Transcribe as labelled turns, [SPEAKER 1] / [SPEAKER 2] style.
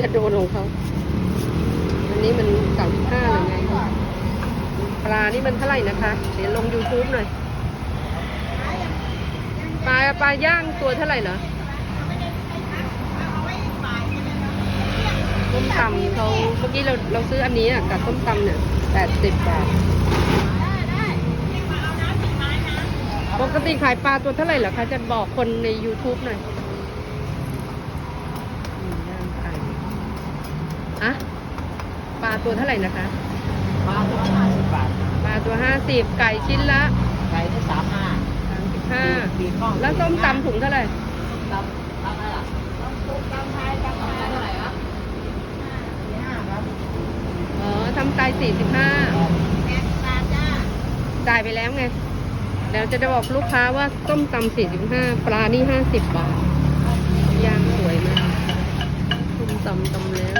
[SPEAKER 1] จะโดนของเขาอันนี้มัน35หรือไงปลานี่มันเท่าไหร่นะคะเดี๋ยวลง YouTube หน่อยปลาย่างตัวเท่าไหร่เหรอต้มตำเขาเมื่อกี้เราซื้ออันนี้อ่ะกับต้มตำเนี่ย80 บาทปกติขายปลาตัวเท่าไหร่เหรอคะจะบอกคนใน YouTube หน่อยย่างไก่อะปลาตัวเท่าไหร่นะคะ
[SPEAKER 2] ปลาตัว50 บาท
[SPEAKER 1] ปลาตัว50ไก่ชิ้นละ
[SPEAKER 2] ไก่ที่35
[SPEAKER 1] แล้วส้มตำถุงเท่าไหร่
[SPEAKER 2] ตำอะไรล่ะตำไทยเท่าไหร่ครับ45ครับ
[SPEAKER 1] อ๋อทำไก่45จ่ายไปแล้วไงเดี๋ยวจะบอกลูกค้าว่าส้มตำ45ปลานี่50 บาทย่างสวยมากส้มตำแล้ว